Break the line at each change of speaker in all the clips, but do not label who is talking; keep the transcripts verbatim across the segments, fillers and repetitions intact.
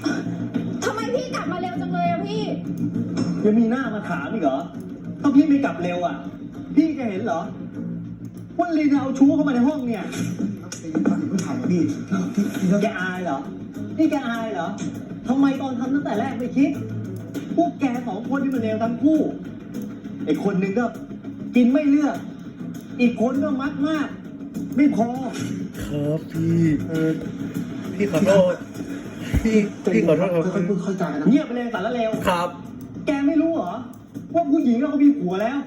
ทำไมพี่กลับมาเร็วจังเลยอะพี่
ยังมีหน้ามาถามอีกเหรอถ้าพี่ไม่กลับเร็วอ่ะพี่จะเห็นเหรอว่าลีนเอาชู้เข้ามาในห้องเนี่ยพี่ถ่ายพี่แกอายเหรอนี่แกอายเหรอทำไมตอนทำตั้งแต่แรกไม่คิดพวกแกสองคนที่มันเลวทั้งคู่ไอ้คนหนึ่งก็กินไม่เลือกอีกคนก็มักมากไม่พอ
ครับพี่เออพี่ขอโทษพี่พี่ขอโทษครับ
ค่อยๆพูดค่อยๆจานะเงียบไปเลยสารเลว
ครับ
แกไม่รู้เหรอว่าผู้หญิงเราก็มีผัวแล้ว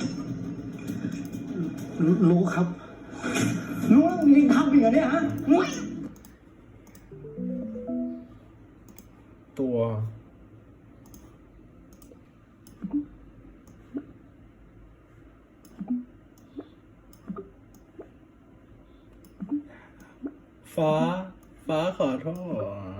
รู้ครับรู้แล้วมึงยังทำอีกเหรอเนี่ยฮะ
ตัวฟ้าฟ้าขอโทษ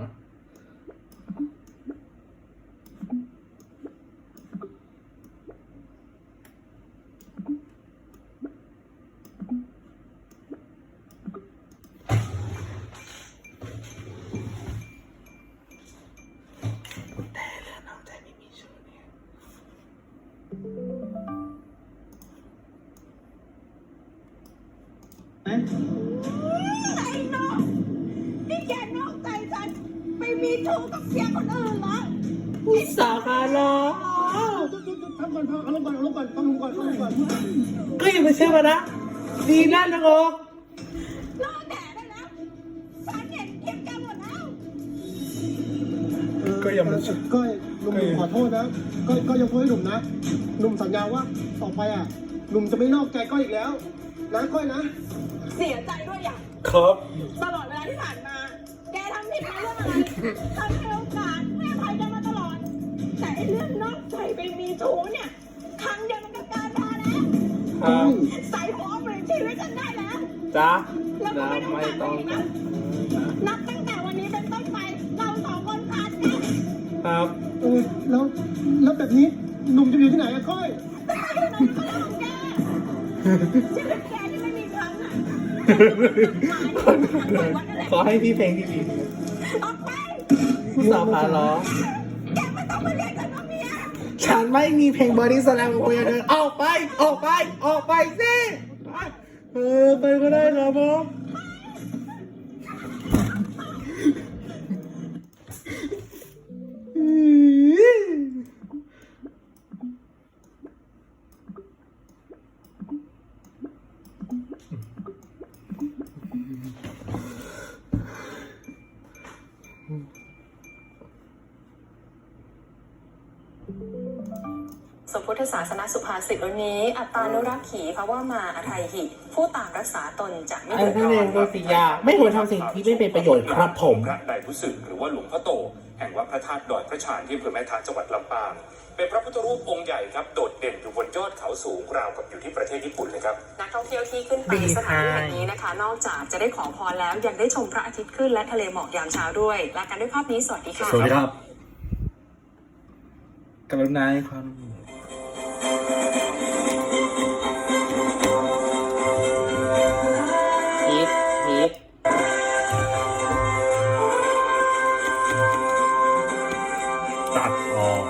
ไอ้น้องนี่แกนอกใจฉันไปมีชู้กับเสียคนอื่นเหรอ
อุตส่าห์มาล้อ
ทำก่อนทำเอาลงก่อนเอาลงก่อนเอาลงก่อนเอาลงก่อน
ก็อย่าไปเชื่อมันนะดีนั่นนะงก
รอแดดได้แล้วฉันเห็นคลิปแกหมดแล้ว
ก็อย่ามา
ก็หนุ่มขอโทษนะก็ก็ยกโทษให้หนุ่มนะหนุ่มสัญญาว่าต่อไปอ่ะหนุ่มจะไม่นอกใจก้อยอีกแล้วนะก้อยนะ
เสียใจด้วยอย่าง
ครับ
ตลอดเวลาที่ผ่านมาแกทำผิดในเรื่องอะไรทำให้โอกาสให้อภัยกันมาตลอดแต่เรื่องนอกใจไปมีชู้เนี่ยครั้งเดียวมันก็เกินพอแล้วใส่หัวเปลี่ยนชีวิตฉันได้แล้ว
จ้า
แล้วก็ไม่ต้องการอะไรนะนับตั้งแต่วันนี้เป็นต้นไปเราสองคนขาดกัน
ครับ
เออแล้วแล้วแบบนี้หนุ่มจะอยู่ที่ไหนอะก้อย
ชีวิตแกที่ไม่มีครั้งอ่ะ
ขอให้พี่เพลงที่ดี
ออกไป
ผู้สาวขาล้อ
แกไม่ต้องมาเรียกฉันว่าเมีย
ฉันไม่มีเพลงบอดี้สแลมกับคุยกับเธอออกไปออกไปออกไปสิเออไปก็ได้ครับผม
สมพุทธศาสนสุภาษิตวันนี้อัตตานุรักขีภาวะมาอทัยหิผู้ต่างรักษาตนจะไม่เดือดร้อน
โดยสิยาไม่ควรทำสิ่งที่ไม่เป็นประโยชน์ครับผม
พระไตรพุสึกหรือว่าหลวงพ่อโตแห่งวัดพระธาตุดอยพระชานที่อำเภอแม่ทะจังหวัดลำปางเป็นพระพุทธรูปองค์ใหญ่ครับโดดเด่นอยู่บนยอดเขาสูงราวกับอยู่ที่ประเทศญี่ปุ่นเลยครับ
นักท่องเที่ยวที่ขึ้นไปสถานที่แห่งนี้นะคะนอกจากจะได้ขอพรแล้วยังได้ชมพระอาทิตย์ขึ้นและทะเลหมอกยามเช้าด้วยลากันด้วยภาพนี้สวัสดีค่ะ
สวัสดีครับกรุณาให้ความฮิตฮิตตัดออก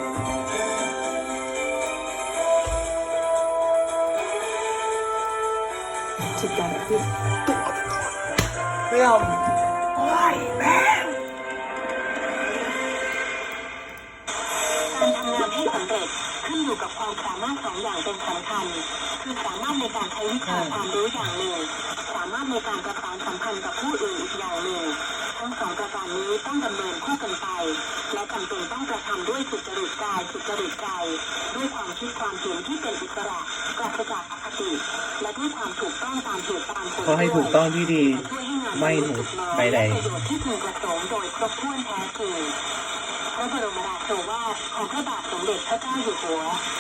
จิตใจที่
ไม่เอาโอ้ยแม่
การทำงานให้สำเร็จขึ้นอยู่กับความสามารถสองอย่างเป็นสำคัญคือสามารถในการใช้วิชาความรู้อย่างหนึ่งสามารถในการประสานสัมพันธ์กับผู้อื่นอีกอย่างหนึ่งทั้งสองประการนี้ต้องดำเนินคู่กันไปและจำเป็นต้องกระทำด้วยสุจริตกายสุจริตใจด้วยความคิดความเห็นที่เป็นอิสระปราศจากอคติและด้วยความถูกต้องตามเหตุตามผล
เขาให้ถูกต้องที่ดีไม่ถูกใดๆ
ประโยชน์ที่พึงประสงค์โดยครบถ้วนแท้จริงพระบรมราโชวาทของพระบาทสมเด็จพระเจ้าอยู่หัว